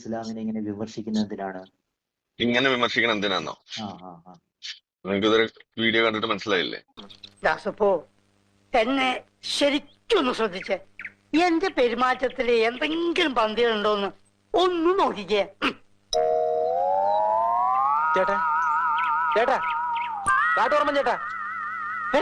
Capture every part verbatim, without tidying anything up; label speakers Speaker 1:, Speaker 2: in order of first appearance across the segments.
Speaker 1: ഇസ്ലാമിനെ ഇങ്ങനെ വിമർശിക്കുന്നത് എന്തിനാണ്?
Speaker 2: ഇങ്ങനെ വിമർശിക്കണം എന്തിനാന്നോ?
Speaker 1: ആ ആ ആ
Speaker 2: നിങ്ങൾക്ക് ഇതൊരു വീഡിയോ കണ്ടിട്ട് മനസ്സിലായില്ലേ?
Speaker 3: ദാസപ്പോ എന്നെ ശരിക്കൊന്ന് ശ്രദ്ധിച്ചേ. എന്റെ പെരുമാറ്റത്തില് എന്തെങ്കിലും പന്തികളുണ്ടോന്ന് ഒന്ന് നോക്കിക്കേ.
Speaker 4: ചേട്ടാ ചേട്ടാ കാട്ടോർമ്മ ചേട്ടാ, ഏ?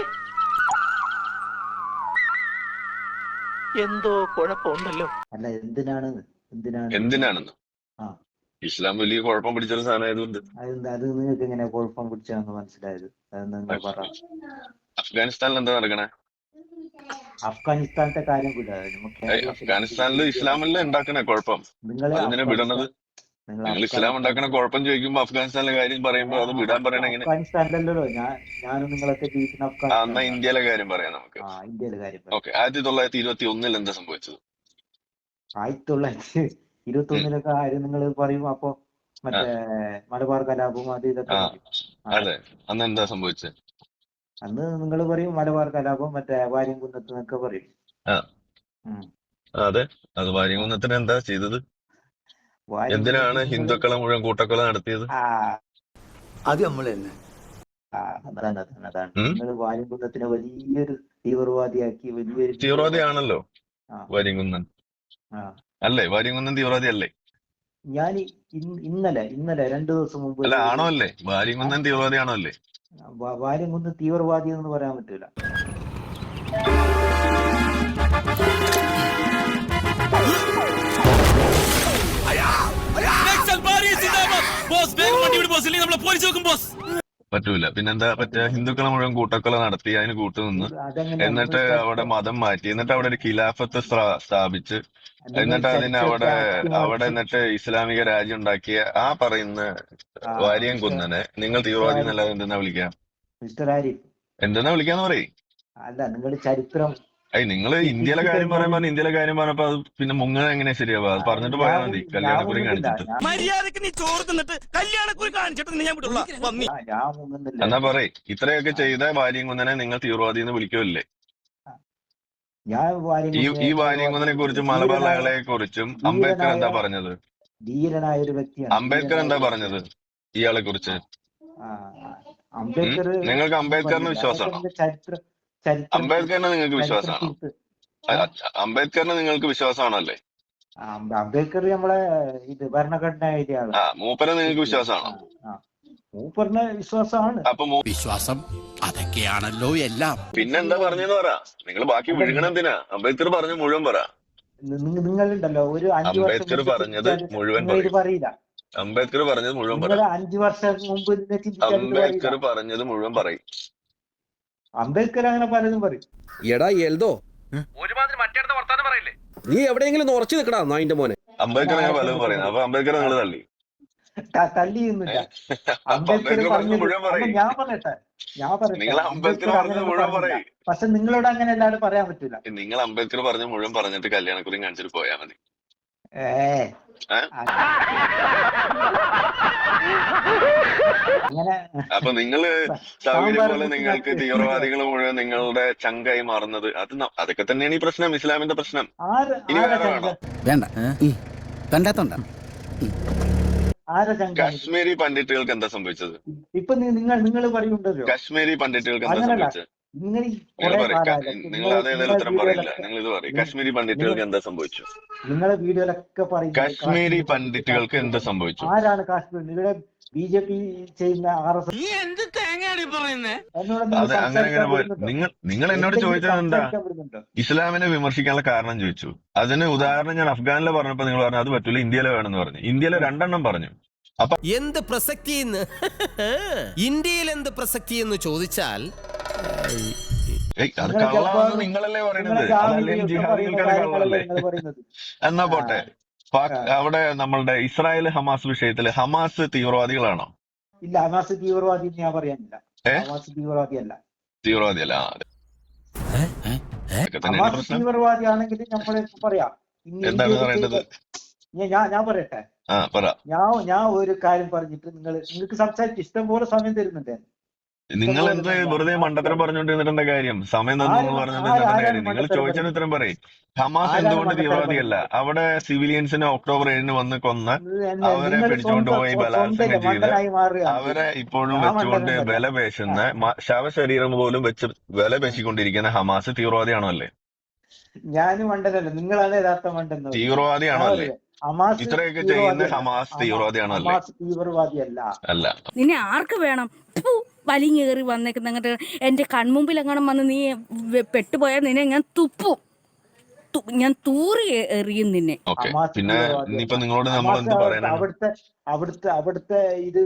Speaker 4: എന്തോ കുഴപ്പമുണ്ടല്ലോ.
Speaker 1: അല്ല എന്തിനാണ് എന്തിനാണ്
Speaker 2: എന്തിനാണെന്ന്
Speaker 1: ആ
Speaker 2: ഇസ്ലാം വലിയ കുഴപ്പം പിടിച്ചൊരു സാധനം ആയതുകൊണ്ട്.
Speaker 1: അത് അത് നിങ്ങൾക്ക് എങ്ങനെ കുഴപ്പം പിടിച്ചാന്ന് മനസ്സിലായത്? അത് നിങ്ങൾ പറ.
Speaker 2: അഫ്ഗാനിസ്ഥാനിൽ എന്താ നടക്കണേ?
Speaker 1: അഫ്ഗാനിസ്ഥാനത്തെ കാര്യം വിടാ. നമുക്ക്
Speaker 2: ഏയ് അഫ്ഗാനിസ്ഥാനിലും ഇസ്ലാമല്ലേ ഉണ്ടാക്കണേ കുഴപ്പം?
Speaker 1: നിങ്ങൾ
Speaker 2: അതിനെ വിടണത് നിങ്ങൾ ഇസ്ലാം ഉണ്ടാക്കണ കുഴപ്പം ചോദിക്കുമ്പോ അഫ്ഗാനിസ്ഥാനിലെ കാര്യം പറയുമ്പോ അത് വിടാൻ പറയണ എങ്ങനെ?
Speaker 1: അഫ്ഗാനിസ്ഥാനിലല്ലോ ഞാൻ ഞാനും നിങ്ങളൊക്കെ ജീവിക്കുന്ന
Speaker 2: ആ, എന്നാ
Speaker 1: അഫ്ഗാനിസ്ഥാൻ.
Speaker 2: ഇന്ത്യയിലെ കാര്യം പറയാം നമുക്ക്.
Speaker 1: ആ ഇന്ത്യയിലെ കാര്യം പറ.
Speaker 2: ഓക്കെ, ആയിരത്തി തൊള്ളായിരത്തി ഇരുപത്തി ഒന്നിൽ എന്താ സംഭവിച്ചത്?
Speaker 1: ആയിരത്തി തൊള്ളായിരത്തി ഇരുപത്തി ഒന്നിലൊക്കെ കാര്യം നിങ്ങൾ പറയും. അപ്പൊ മറ്റേ മലബാർ കലാപവും അത് ഇതൊക്കെ
Speaker 2: ആ
Speaker 1: പറയും.
Speaker 2: അതെ, അന്ന് എന്താ സംഭവിച്ചത്?
Speaker 1: അന്ന് നിങ്ങൾ പറയും മലബാർ കലാപം, മറ്റേ വാര്യംകുന്നത്ത് എന്നൊക്കെ പറയും.
Speaker 2: ആ
Speaker 1: ഉം.
Speaker 2: അതെ, അത് വാര്യംകുന്നത്തിന് എന്താ ചെയ്തത്?
Speaker 1: വാര്യംകുന്നത്ത്
Speaker 2: എന്തിനാണ്
Speaker 1: നിങ്ങള്
Speaker 2: ഹിന്ദുക്കളെ മുഴുവൻ കൂട്ടക്കൊല നടത്തിയത്?
Speaker 1: ആ
Speaker 5: അത് നമ്മൾ തന്നെ.
Speaker 1: ആ, അതാണ് അതാണ് അതാണ്
Speaker 2: ഉം?
Speaker 1: നിങ്ങൾ വാര്യംകുന്നത്തിനെ വലിയൊരു തീവ്രവാദിയാക്കി വലിയൊരു
Speaker 2: തീവ്രവാദി ആണല്ലോ
Speaker 1: ആ
Speaker 2: വാര്യംകുന്നൻ,
Speaker 1: ആ
Speaker 2: അല്ലേ? വാര്യംകുന്നൻ തീവ്രവാദി അല്ലേ?
Speaker 1: ഞാൻ ഇന്നലെ ഇന്നലെ രണ്ടു ദിവസം മുമ്പ്
Speaker 2: അല്ല, ആണോ അല്ലേ? വാര്യംകുന്നൻ തീവ്രവാദി ആണോ അല്ലേ?
Speaker 1: വാ- വാര്യംകുന്ന് തീവ്രവാദി എന്ന് പറയാൻ പറ്റൂല.
Speaker 2: പറ്റൂല. പിന്നെന്താ പറ്റുക? ഹിന്ദുക്കളെ മുഴുവൻ കൂട്ടക്കൊല നടത്തി, അതിന് കൂട്ടുനിന്ന്,
Speaker 1: അതെങ്ങനെ
Speaker 2: എന്നിട്ട് അവിടെ മതം മാറ്റി, എന്നിട്ട് അവിടെ ഒരു ഖിലാഫത്ത് സ്ഥാ- സ്ഥാപിച്ച്,
Speaker 1: നിങ്ങൾ
Speaker 2: എന്നിട്ട് അതിന് അവിടെ
Speaker 1: ചരിത്രത്തെ
Speaker 2: അവിടെ
Speaker 1: അട്ടിമറിച്ച്
Speaker 2: എന്നിട്ട് ഇസ്ലാമിക രാജ്യം ഉണ്ടാക്കിയ ആ പറയുന്ന
Speaker 1: ആ
Speaker 2: വാര്യം
Speaker 1: മിസ്റ്റർ
Speaker 2: കുന്നനെ നിങ്ങൾ
Speaker 1: മിസ്റ്റർ
Speaker 2: തീവ്രവാദി
Speaker 1: ആരിഫ്
Speaker 2: എന്നല്ലാതെ എന്തെന്നാ വിളിക്കാം?
Speaker 1: മിസ്റ്റർ ആരിഫ്
Speaker 2: എന്തെന്നാ വിളിക്കാന്ന് പറയും?
Speaker 1: അല്ല നിങ്ങൾ ചരിത്രം
Speaker 2: അയ് നിങ്ങൾ ഇന്ത്യയിലെ കാര്യം
Speaker 1: തെറ്റിദ്ധരിഞ്ഞാൽ
Speaker 2: പറയാൻ പറഞ്ഞ ഇന്ത്യയിലെ കാര്യം പറഞ്ഞപ്പോ അത് പിന്നെ മുങ്ങ എങ്ങനെ ശരിയാവുക? അത് പറഞ്ഞിട്ട് പോയാൽ
Speaker 1: ഞാൻ
Speaker 2: മതി,
Speaker 1: ഞാൻ
Speaker 2: കല്യാണക്കുറി
Speaker 1: മുങ്ങുന്നില്ല.
Speaker 2: കാണിച്ചിട്ട്.
Speaker 1: ഞാൻ
Speaker 4: മര്യാദക്ക് നീ ചോറ് തിന്നിട്ട് കല്യാണക്കുറി കാണിച്ചിട്ട് ഞാൻ വിട്ടുള്ള പന്നി.
Speaker 1: ഞാൻ- ഞാൻ മുങ്ങുന്നില്ല.
Speaker 2: എന്നാ പറയ്, ഇത്രയൊക്കെ
Speaker 1: ആ,
Speaker 2: ചെയ്ത വാര്യം കുന്നനെ നിങ്ങൾ തീവ്രവാദി എന്ന് വിളിക്കുമല്ലേ?
Speaker 1: ഞാൻ
Speaker 2: ഈ
Speaker 1: വാര്യംകുന്നനെ
Speaker 2: ഈ
Speaker 1: തീവ്രവാദി
Speaker 2: വാര്യംകുന്നനെ കുറിച്ചും മലബാർ
Speaker 1: ധീരനായ
Speaker 2: ലഹളയെ കുറിച്ചും അംബേദ്കർ
Speaker 1: ധീരനായ
Speaker 2: എന്താ പറഞ്ഞത്?
Speaker 1: ധീരനായ ഒരു വ്യക്തിയാണ്.
Speaker 2: അംബേദ്കർ
Speaker 1: ധീരനായ
Speaker 2: എന്താ
Speaker 1: ഒരു
Speaker 2: പറഞ്ഞത്
Speaker 1: വ്യക്തിയാണ്.
Speaker 2: ഇയാളെ കുറിച്ച്?
Speaker 1: ആ, ആ,
Speaker 2: ഉം?
Speaker 1: അംബേദ്കർ
Speaker 2: നിങ്ങൾക്ക്
Speaker 1: ഒന്നും
Speaker 2: അംബേദ്കറിന്
Speaker 1: പറഞ്ഞില്ല. അതൊക്കെ
Speaker 2: വിശ്വാസമാണോ?
Speaker 1: നിന്റെ ചരിത്ര ചരിത്രം തിരുത്ത്
Speaker 2: അംബേദ്കറിനെ നിങ്ങൾക്ക്
Speaker 1: ചരിത്രം
Speaker 2: വിശ്വാസമാണോ?
Speaker 1: തിരുത്ത്.
Speaker 2: അ-
Speaker 1: ഏ
Speaker 2: അ- അംബേദ്കറിന് നിങ്ങൾക്ക് വിശ്വാസമാണോ അല്ലേ?
Speaker 1: ആ, അംബ- അംബേദ്കർ നമ്മളെ ഇത് ഭരണഘടന എഴുതിയ
Speaker 2: ആ,
Speaker 1: ആളാണ്.
Speaker 2: മൂപ്പരെ നിങ്ങൾക്ക്
Speaker 1: തെറ്റില്ല.
Speaker 2: വിശ്വാസമാണോ?
Speaker 1: ആ ആ മൂപ്പറിന് വിശ്വാസമാണ്.
Speaker 2: അപ്പൊ മൂ-
Speaker 6: വിശ്വാസം അതൊക്കെയാണല്ലോ എല്ലാം.
Speaker 2: പിന്നെന്താ പറഞ്ഞെന്ന് പറ. നിങ്ങൾ ബാക്കി
Speaker 1: അല്ല
Speaker 2: വിഴുങ്ങണ എന്തിനാ? അംബേദ്കർ പറഞ്ഞ മുഴുവൻ പറ.
Speaker 1: നി- നിങ്ങളുണ്ടല്ലോ ഒരു അഞ്ചു വർഷം
Speaker 2: അംബേദ്കർ
Speaker 1: മുമ്പ്
Speaker 2: പറഞ്ഞത്
Speaker 1: ചിന്തിച്ചാൽ
Speaker 2: മുഴുവൻ
Speaker 1: നിങ്ങൾ ഇത്
Speaker 2: പറയും.
Speaker 1: പറയില്ല.
Speaker 2: അംബേദ്കർ പറഞ്ഞത് മുഴുവൻ പറ.
Speaker 1: നിങ്ങൾ അഞ്ചു വർഷം മുമ്പ് ഇതിനെ ചിന്തിച്ചാൽ ഇത് പറയില്ല.
Speaker 2: അംബേദ്കർ പറഞ്ഞത് മുഴുവൻ പറയും.
Speaker 1: അംബേദ്കർ അങ്ങനെ പലതും പറയും.
Speaker 7: എടാ എൽദോ,
Speaker 4: ഒരുമാതിരി മറ്റേടത്തെ വർത്താനം പറയില്ലേ?
Speaker 7: നീ എവിടെയെങ്കിലും ഉറച്ചു നിൽക്കടാ നായിന്റെ മോനെ.
Speaker 2: അംബേദ്കർ അങ്ങനെ പലതും പറയുന്നത്. അപ്പൊ അംബേദ്കർ നിങ്ങൾ തള്ളി.
Speaker 1: ത- തല്ലിയൊന്നുമില്ല.
Speaker 2: അപ്പൊ
Speaker 1: അംബേദ്കർ
Speaker 2: അംബേദ്കർ പറഞ്ഞത്
Speaker 1: പറഞ്ഞത്
Speaker 2: മുഴുവൻ
Speaker 1: അല്ല
Speaker 2: പറയും.
Speaker 1: ഞാൻ പറയട്ടെ ഞാൻ പറയട്ടെ
Speaker 2: നിങ്ങൾ അംബേദ്കർ
Speaker 1: അംബേദ്കർ
Speaker 2: പറഞ്ഞത്
Speaker 1: അങ്ങനെയൊന്നും
Speaker 2: മുഴുവൻ
Speaker 1: പറഞ്ഞില്ല.
Speaker 2: പറയും.
Speaker 1: പക്ഷെ നിങ്ങളോട് അങ്ങനെ അല്ലാതെ പറയാൻ പറ്റൂല.
Speaker 2: നിങ്ങൾ അംബേദ്കർ പറഞ്ഞ മുഴുവൻ പറഞ്ഞിട്ട് കല്യാണക്കുറി കാണിച്ചിട്ട് പോയാൽ മതി.
Speaker 1: ഏ
Speaker 2: ഏ?
Speaker 1: അങ്ങനെ
Speaker 2: അപ്പൊ നിങ്ങള് സൗകര്യം
Speaker 1: സാമ്പാർ
Speaker 2: പോലെ നിങ്ങൾക്ക്
Speaker 1: കുട്ടികൾക്ക്
Speaker 2: തീവ്രവാദികൾ മുഴുവൻ നിങ്ങളുടെ ചങ്കായി മാറുന്നത് അത് ന- അതൊക്കെ തന്നെയാണ് ഈ പ്രശ്നം, ഇസ്ലാമിന്റെ പ്രശ്നം.
Speaker 1: ആര്
Speaker 2: ഇനി
Speaker 1: ആരാ
Speaker 2: വേറെ
Speaker 1: ചങ്ക
Speaker 2: വേണോ?
Speaker 6: വേണ്ട കണ്ടാത്തോണ്ട.
Speaker 1: ആരാ ചങ്കാണിത്?
Speaker 2: കാശ്മീരി പണ്ഡിറ്റുകൾക്ക് എന്താ സംഭവിച്ചത്?
Speaker 1: ഇപ്പൊ നി- നിങ്ങൾ നിങ്ങൾ പറയുണ്ടല്ലോ
Speaker 2: കാശ്മീരി പണ്ഡിറ്റുകൾക്ക് എന്താ
Speaker 1: അങ്ങനല്ല.
Speaker 2: സംഭവിച്ചത്?
Speaker 1: നിങ്ങൾ ഈ
Speaker 2: നിങ്ങൾ
Speaker 1: കുറെ
Speaker 2: പറയും.
Speaker 1: കാലമായിട്ട്
Speaker 2: നിങ്ങൾ
Speaker 1: നിങ്ങൾ
Speaker 2: അതേതായാലും
Speaker 1: നിങ്ങളെ
Speaker 2: ഉത്തരം പറയില്ല.
Speaker 1: വീഡിയോയിലൊക്കെ
Speaker 2: നിങ്ങൾ ഇത് പറയും.
Speaker 1: നി-
Speaker 2: കാശ്മീരി
Speaker 1: നിങ്ങൾ
Speaker 2: പണ്ഡിറ്റുകൾക്ക് എന്താ സംഭവിച്ചു?
Speaker 1: നിങ്ങളെ വീഡിയോയിലൊക്കെ പറയുന്നത്
Speaker 2: കാശ്മീരി
Speaker 1: കാശ്മീർ
Speaker 2: പണ്ഡിറ്റുകൾക്ക് എന്ത്
Speaker 1: കാശ്മീർ
Speaker 2: സംഭവിച്ചു?
Speaker 1: ആരാണ് കാശ്മീർ? നിങ്ങളുടെ ബി ജെ പി ചെയ്യുന്ന ആർ എസ്
Speaker 4: നീ എന്ത് തേങ്ങയാണ് പറയുന്നേ?
Speaker 1: എന്നോട് നിങ്ങൾ
Speaker 2: അത് അങ്ങനെ
Speaker 1: സംസാരിക്കാൻ
Speaker 2: അങ്ങനെ പോയി.
Speaker 1: വിടുന്നുണ്ടോ?
Speaker 2: നിങ്ങൾ നിങ്ങൾ എന്നോട്
Speaker 1: എന്തെങ്കിലും
Speaker 2: ചോദിച്ചത് എന്താ?
Speaker 1: സംസാരിക്കാൻ വിടുന്നുണ്ടോ?
Speaker 2: ഇസ്ലാമിനെ വിമർശിക്കാനുള്ള കാരണം ചോദിച്ചു. അതിന്
Speaker 1: ആ
Speaker 2: ഉദാഹരണം ഞാൻ അഫ്ഗാനിലെ പറഞ്ഞപ്പോ നിങ്ങൾ പറഞ്ഞു അത് പറ്റൂല, ഇന്ത്യയിലെ വേണമെന്ന് പറഞ്ഞു. ഇന്ത്യയിലെ രണ്ടെണ്ണം പറഞ്ഞു. അപ്പൊ
Speaker 6: എന്ത് പ്രസക്തി എന്ന് ഇന്ത്യയിൽ എന്ത് പ്രസക്തി എന്ന് ചോദിച്ചാൽ
Speaker 2: ഏയ് അത്
Speaker 1: നിങ്ങളെ
Speaker 2: കള്ളാണെന്ന്
Speaker 1: ജബ്ബാറും
Speaker 2: നിങ്ങളല്ലേ പറയുന്നത്.
Speaker 1: നിങ്ങളെ
Speaker 2: അതല്ലേ
Speaker 1: ജാമിയും ഒക്കെ
Speaker 2: ജിഹാദികൾക്ക്
Speaker 1: പറയുന്ന
Speaker 2: അത്
Speaker 1: കാര്യങ്ങളല്ലേ
Speaker 2: കള്ളല്ലേ?
Speaker 1: നിങ്ങൾ പറയുന്നത്?
Speaker 2: എന്നാ
Speaker 1: ആ
Speaker 2: പോട്ടെ. പാക്
Speaker 1: ആ.
Speaker 2: അവിടെ നമ്മളുടെ ഇസ്രായേൽ ഹമാസ് വിഷയത്തില് ഹമാസ് തീവ്രവാദികളാണോ?
Speaker 1: ഇല്ല, ഹമാസ് തീവ്രവാദി എന്ന് ഞാൻ പറയാനില്ല.
Speaker 2: ഏ
Speaker 1: ഹമാസ് തീവ്രവാദിയല്ല.
Speaker 2: തീവ്രവാദിയല്ല. ആ, അതെ. അതൊക്കെ തന്നെയാണ്
Speaker 1: ഹമാസ്
Speaker 2: പ്രശ്നം.
Speaker 1: തീവ്രവാദി ആണെങ്കിൽ നമ്മൾ പറയാം. ഇന്ന്
Speaker 2: എന്താണ്
Speaker 1: ഇന്ത്യയിൽ
Speaker 2: പറയേണ്ടത്?
Speaker 1: ചെയ്ത ഞാൻ ഞാൻ പറയട്ടെ.
Speaker 2: ആ പറ.
Speaker 1: ഞാൻ ഞാൻ ഒരു കാര്യം പറഞ്ഞിട്ട് നിങ്ങൾ നിങ്ങൾക്ക് സംസാരിച്ച് ഇഷ്ടം പോലെ സമയം തരുന്നുണ്ട്.
Speaker 2: നിങ്ങൾ എന്ത് വെറുതെ മണ്ടത്തരം പറഞ്ഞുകൊണ്ടിരുന്നിട്ട് എന്താ കാര്യം? സമയം തന്നു
Speaker 1: ആരും-
Speaker 2: പറഞ്ഞിട്ട്
Speaker 1: ആരും-
Speaker 2: എന്താ
Speaker 1: ആരാണ്
Speaker 2: കാര്യം? നിങ്ങൾ
Speaker 1: മണ്ടത്തരം
Speaker 2: ചോദിച്ചതിന് ഉത്തരം പറയും. ഹമാസ്
Speaker 1: ആരാണ്
Speaker 2: എന്തുകൊണ്ട്
Speaker 1: മണ്ടത്തരം
Speaker 2: തീവ്രവാദിയല്ല? അവിടെ സിവിലിയൻസിനെ ഒക്ടോബർ ഏഴിന് വന്ന് കൊന്ന്
Speaker 1: എന്നെ-
Speaker 2: അവരെ
Speaker 1: നിങ്ങൾ
Speaker 2: പിടിച്ചുകൊണ്ട്
Speaker 1: സ്വന്തം-
Speaker 2: പോയി
Speaker 1: സ്വന്തം
Speaker 2: ബലാത്സംഗം ചെയ്ത്
Speaker 1: മണ്ടനായി മാറുകയാണ്
Speaker 2: അവരെ ഇപ്പോഴും
Speaker 1: ഞാൻ
Speaker 2: വെച്ചുകൊണ്ട്
Speaker 1: മണ്ടനൊന്നുമല്ല.
Speaker 2: വില പേശുന്ന മ- ശവശരീരം പോലും വെച്ച് വില പേശിക്കൊണ്ടിരിക്കുന്ന ഹമാസ് തീവ്രവാദിയാണോ അല്ലേ?
Speaker 1: ഞാനും മണ്ടനല്ല, നിങ്ങളാണ് യഥാർത്ഥ മണ്ടെന്ന്
Speaker 2: തീവ്രവാദിയാണോ അല്ലേ?
Speaker 1: ഹമാസ്
Speaker 2: ഇത്രയൊക്കെ ചെയ്യുന്ന
Speaker 1: തീവ്രവാദിയല്ല.
Speaker 2: ഹമാസ് തീവ്രവാദിയാണോ അല്ലേ?
Speaker 1: ഹമാസ് തീവ്രവാദിയല്ല.
Speaker 2: അല്ല.
Speaker 8: നിന്നെ ആർക്ക് വേണം? ഫു, വലിഞ്ഞേറി വന്നേക്കുന്ന അങ്ങോട്ട് എന്റെ കൺമുമ്പിൽ എങ്ങനെ വന്ന് നീ വെ- പെട്ടുപോയാൽ നിന്നെ ഞാൻ തുപ്പും, തു- ഞാൻ തൂറി എ- എറിയും നിന്നെ.
Speaker 2: ഓക്കെ,
Speaker 1: ഹമാസ്
Speaker 2: പിന്നെ
Speaker 1: തീവ്രവാദിയല്ല.
Speaker 2: ഇനിയിപ്പോ നിങ്ങളോട് നമ്മൾ
Speaker 1: ഹമാസ്
Speaker 2: എന്ത്
Speaker 1: അവിടുത്തെ
Speaker 2: പറയാനാണ്?
Speaker 1: അവിടുത്തെ അവിടുത്തെ അവിടുത്തെ ഇത്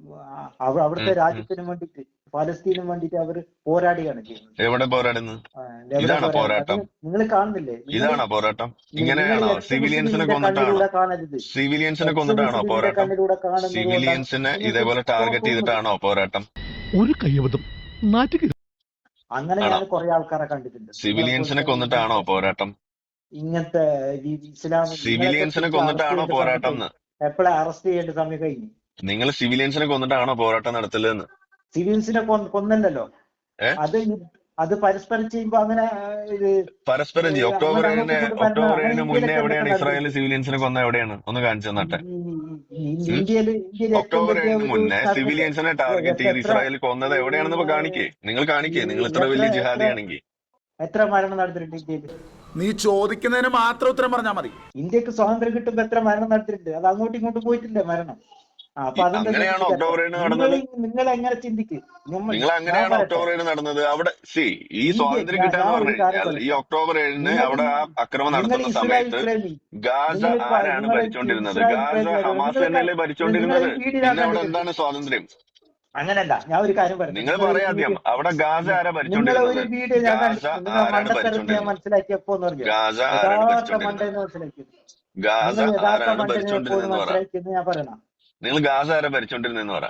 Speaker 1: അവ- അവിടുത്തെ
Speaker 2: ഉം, ഉം.
Speaker 1: രാജ്യത്തിന് വേണ്ടിട്ട് പലസ്തീനും വേണ്ടിട്ട് അവർ പോരാടുകയാണ് ചെയ്യുന്നത്.
Speaker 2: എവിടെ പോരാടുന്നത്?
Speaker 1: ആ, എവിടെ
Speaker 2: ഇതാണോ
Speaker 1: പോരാടുന്നത്?
Speaker 2: പോരാട്ടം?
Speaker 1: നിങ്ങൾ കാണുന്നില്ലേ? നിങ്ങൾ
Speaker 2: ഇതാണോ പോരാട്ടം?
Speaker 1: നിങ്ങൾ
Speaker 2: ഇങ്ങനെയാണോ?
Speaker 1: എക്സ്
Speaker 2: സിവിലിയൻസിനെ
Speaker 1: മുസ്ലിമിന്റെ
Speaker 2: കൊന്നിട്ടാണോ?
Speaker 1: കണ്ണിലൂടെ കാണരുത്.
Speaker 2: സിവിലിയൻസിനെ
Speaker 1: എക്സ്
Speaker 2: കൊന്നിട്ടാണോ
Speaker 1: മുസ്ലിമിന്റെ
Speaker 2: പോരാട്ടം?
Speaker 1: കണ്ണിലൂടെ കാണുന്നത് കൊണ്ടാണ്
Speaker 2: സിവിലിയൻസിനെ
Speaker 1: നിങ്ങൾക്ക്
Speaker 2: ഇതേപോലെ ടാർഗറ്റ്
Speaker 1: തോന്നുന്നത്.
Speaker 2: ചെയ്തിട്ടാണോ പോരാട്ടം?
Speaker 9: ഒരു കയ്യബദ്ധം നാറ്റുക.
Speaker 1: അങ്ങനെ
Speaker 2: ആണോ?
Speaker 1: ഞാൻ കുറെ ആൾക്കാരെ കണ്ടിട്ടുണ്ട്.
Speaker 2: സിവിലിയൻസിനെ കൊന്നിട്ടാണോ പോരാട്ടം?
Speaker 1: ഇങ്ങനത്തെ ഈ ഇസ്ലാം
Speaker 2: സിവിലിയൻസിനെ കൊന്നിട്ടാണോ പോരാട്ടം എന്ന്?
Speaker 1: എപ്പോഴാ അറസ്റ്റ് ചെയ്യേണ്ട സമയം കഴിഞ്ഞു?
Speaker 2: നിങ്ങൾ സിവിലിയൻസിനെ കൊന്നിട്ടാണോ പോരാട്ടം നടത്തലെന്ന്?
Speaker 1: സിവിൽസിനെ കൊ- കൊന്നല്ലോ.
Speaker 2: ഏ?
Speaker 1: അത് ഈ- അത് പരസ്പരം ചെയ്യുമ്പോ അങ്ങനെ ആ, ഇത്
Speaker 2: പരസ്പരം ചെയ്യും. ഒക്ടോബർ
Speaker 1: അങ്ങനെ
Speaker 2: ഏഴിന്
Speaker 1: അങ്ങോട്ടും ഇങ്ങോട്ടും
Speaker 2: ഒക്ടോബർ
Speaker 1: അങ്ങനെ
Speaker 2: ഏഴിന് മുന്നേ
Speaker 1: ഇന്ത്യയിലൊക്കെ
Speaker 2: എവിടെയാണ്
Speaker 1: നടക്കുന്നത്.
Speaker 2: ഇസ്രായേൽ സിവിലിയൻസിനെ കൊന്ന എവിടെയാണ്? ഒന്ന് കാണിച്ചു തന്നട്ടെ.
Speaker 1: ഈ- ഈ- ഈ ഇന്ത്യയില് ഇന്ത്യയിലെ ഏറ്റവും
Speaker 2: ഒക്ടോബർ
Speaker 1: വലിയ
Speaker 2: ഏഴിന്
Speaker 1: ഒരു
Speaker 2: മുന്നേ
Speaker 1: ടാർഗറ്റ്
Speaker 2: സിവിലിയൻസിനെ ടാർഗറ്റ് ചെയ്ത്
Speaker 1: എത്ര-
Speaker 2: ഇസ്രായേൽ കൊന്നത് എവിടെയാണെന്ന് ഇപ്പൊ കാണിക്കേ. നിങ്ങൾ കാണിക്കേ. നിങ്ങൾ ഇത്ര
Speaker 1: എത്ര-
Speaker 2: വലിയ
Speaker 1: എത്ര-
Speaker 2: ജിഹാദിയാണെങ്കിൽ
Speaker 1: എത്ര മരണം നടത്തിയിട്ടുണ്ട് ഇന്ത്യയിൽ?
Speaker 5: നീ ചോദിക്കുന്നതിന് മാത്രം ഉത്തരം പറഞ്ഞാൽ മതി.
Speaker 1: ഇന്ത്യക്ക് സ്വാതന്ത്ര്യം കിട്ടുമ്പോ എത്ര മരണം നടത്തിയിട്ടുണ്ട്? അത് അങ്ങോട്ടും ഇങ്ങോട്ടും പോയിട്ടില്ലേ മരണം? ആ, അപ്പൊ അതെന്താ
Speaker 2: അങ്ങനെയാണോ
Speaker 1: ചിന്തിക്കാത്തെ?
Speaker 2: ഒക്ടോബർ ഏഴിന്
Speaker 1: നിങ്ങൾ
Speaker 2: നടന്നത്?
Speaker 1: നിങ്ങൾ എങ്ങനെ ചിന്തിക്ക്? നമ്മൾ-
Speaker 2: നിങ്ങൾ
Speaker 1: ഞാൻ
Speaker 2: അങ്ങനെയാണോ
Speaker 1: പറയട്ടെ.
Speaker 2: ഒക്ടോബർ ഏഴിന് നടന്നത്? അവിടെ സി ഈ
Speaker 1: ഇന്ത്യ-
Speaker 2: സ്വാതന്ത്ര്യം
Speaker 1: ഞാൻ-
Speaker 2: കിട്ടാന്ന്
Speaker 1: ഞാൻ ഒരു
Speaker 2: പറഞ്ഞു
Speaker 1: കാര്യം
Speaker 2: കഴിഞ്ഞാൽ ഈ
Speaker 1: പറയാം.
Speaker 2: ഒക്ടോബർ ഏഴിന്
Speaker 1: നിങ്ങൾ
Speaker 2: അവിടെ ആ അക്രമം
Speaker 1: നിങ്ങൾ
Speaker 2: നടത്തുന്ന
Speaker 1: ഇസ്രായേൽ
Speaker 2: സമയത്ത്
Speaker 1: പ്രേമി.
Speaker 2: ഗാസ
Speaker 1: നിങ്ങൾ ഇപ്പ-
Speaker 2: ആരാണ്
Speaker 1: നിങ്ങൾ
Speaker 2: ഭരിച്ചുകൊണ്ടിരുന്നത്?
Speaker 1: ഇസ്രായേൽ
Speaker 2: ഗാസ
Speaker 1: പ്രേമിയാണ്.
Speaker 2: ഹമാസ്
Speaker 1: നിങ്ങൾ
Speaker 2: തന്നെയല്ലേ
Speaker 1: നിങ്ങൾ
Speaker 2: ഭരിച്ചുകൊണ്ടിരുന്നത്?
Speaker 1: ഈ വീഡിയോ
Speaker 2: പിന്നെ അവിടെ
Speaker 1: കണ്ടിട്ട്
Speaker 2: എന്താണ് സ്വാതന്ത്ര്യം?
Speaker 1: അങ്ങനല്ല. ഞാൻ ഒരു കാര്യം പറയാം.
Speaker 2: നിങ്ങൾ
Speaker 1: നിങ്ങൾ
Speaker 2: പറയാം
Speaker 1: ഒരു
Speaker 2: ആദ്യം.
Speaker 1: വീഡിയോ-
Speaker 2: അവിടെ ഗാസ ആരാ
Speaker 1: നിങ്ങളെ
Speaker 2: ഭരിച്ചുകൊണ്ടിരുന്നത്?
Speaker 1: ഒരു വീഡിയോ ഞാൻ
Speaker 2: ഗാസ
Speaker 1: കണ്ടിട്ടുണ്ട്. നിങ്ങൾ
Speaker 2: ആരാണ്
Speaker 1: മണ്ടത്തരത്തെ ഞാൻ
Speaker 2: ഭരിച്ചുകൊണ്ടിരുന്നത്?
Speaker 1: മനസ്സിലാക്കിയപ്പോന്ന് പറഞ്ഞു.
Speaker 2: ഗാസ ആരാണ്
Speaker 1: യഥാർത്ഥ
Speaker 2: ഭരിച്ചുകൊണ്ടിരുന്നത്?
Speaker 1: മണ്ടെന്ന് മനസ്സിലാക്കിയത്.
Speaker 2: ഗാസ
Speaker 1: നിങ്ങൾ യഥാർത്ഥ
Speaker 2: ആരാണ്
Speaker 1: മണ്ടെന്ന് എപ്പോഴും
Speaker 2: ഭരിച്ചുകൊണ്ടിരുന്നതെന്ന് പറ.
Speaker 1: മനസ്സിലാക്കിയെന്ന് ഞാൻ പറയണം.
Speaker 2: നിങ്ങൾ ഗാസ ആരാ ഭരിച്ചുകൊണ്ടിരുന്നതെന്ന് പറ.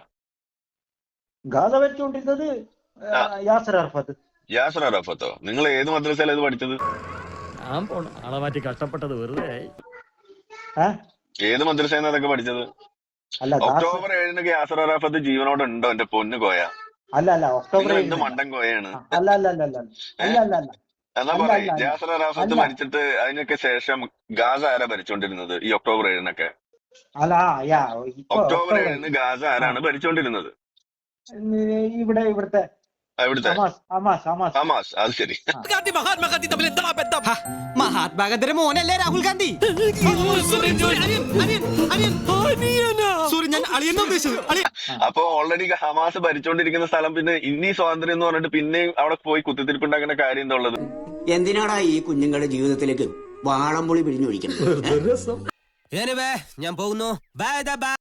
Speaker 1: ഗാസ വെച്ചുകൊണ്ടിരുന്നത്
Speaker 2: ആ.
Speaker 1: യാസർ അറഫത്ത്.
Speaker 2: യാസർ അറാഫത്തോ? നിങ്ങൾ ഏത് മദ്രസയിലാണ് ഇത് പഠിച്ചത്?
Speaker 4: ഞാൻ പോണു ആളെ മാറ്റി കഷ്ടപ്പെട്ടത് വെറുതെ.
Speaker 1: ഏ?
Speaker 2: ഏത് മദ്രസയിൽ അതൊക്കെ പഠിച്ചത്?
Speaker 1: അല്ല ഗാസ
Speaker 2: ഒക്ടോബർ ഏഴിന് യാസർ അറാഫത്ത് ജീവനോടെ ഉണ്ടോ? എന്റെ പൊന്ന് കോയ,
Speaker 1: അല്ല അല്ല ഒക്ടോബർ
Speaker 2: നിങ്ങൾ എന്ത്
Speaker 1: ഏഴിന്
Speaker 2: മണ്ടൻ കോയാണ്?
Speaker 1: അല്ല അല്ല അല്ല അല്ല അല്ല അല്ല അല്ല
Speaker 2: എന്നാ
Speaker 1: അല്ല,
Speaker 2: പറയും.
Speaker 1: അല്ല,
Speaker 2: യാസർ അറാഫത്ത്
Speaker 1: അല്ല.
Speaker 2: മരിച്ചിട്ട് അതിനൊക്കെ ശേഷം ഗാസ ആരാ ഭരിച്ചുകൊണ്ടിരുന്നത് ഈ ഒക്ടോബർ ഏഴിനൊക്കെ?
Speaker 1: അല്ല ആ, യാ ഇപ്പൊ
Speaker 2: ഒക്ടോബർ
Speaker 1: ഒക്ടോബർ
Speaker 2: ഏഴിന് ഗാസ ആരാണ് ഭരിച്ചുകൊണ്ടിരുന്നത്?
Speaker 1: ഇവിടെ ഇവിടുത്തെ
Speaker 2: എവിടുത്തെ?
Speaker 1: Hamas Hamas Hamas
Speaker 2: Hamas. അത് ശരി.
Speaker 4: ഗാന്ധി മഹാത്മാഗാന്ധി തമ്മിൽ എന്താ ബന്ധം?
Speaker 6: മഹാത്മാഗാന്ധിയുടെ മോനല്ലേ രാഹുൽ ഗാന്ധി?
Speaker 4: സോറി, ഞാൻ അളിയെന്നാ ഉദ്ദേശിച്ചത്. അളിയൻ
Speaker 2: അപ്പൊ ഓൾറെഡി ഹമാസ് ഭരിച്ചുകൊണ്ടിരിക്കുന്ന സ്ഥലം പിന്നെ ഇനി സ്വാതന്ത്ര്യം എന്ന് പറഞ്ഞിട്ട് പിന്നെയും അവിടെ പോയി കുത്തിത്തിരിപ്പുണ്ടാക്കുന്ന കാര്യം എന്താ ഉള്ളത്?
Speaker 10: എന്തിനാടാ ഈ കുഞ്ഞുങ്ങളുടെ ജീവിതത്തിലേക്ക് വാളംപുളി പിഴിഞ്ഞൊഴിക്കുന്നത്?
Speaker 6: ഞാൻ പോകുന്നു. ബൈ.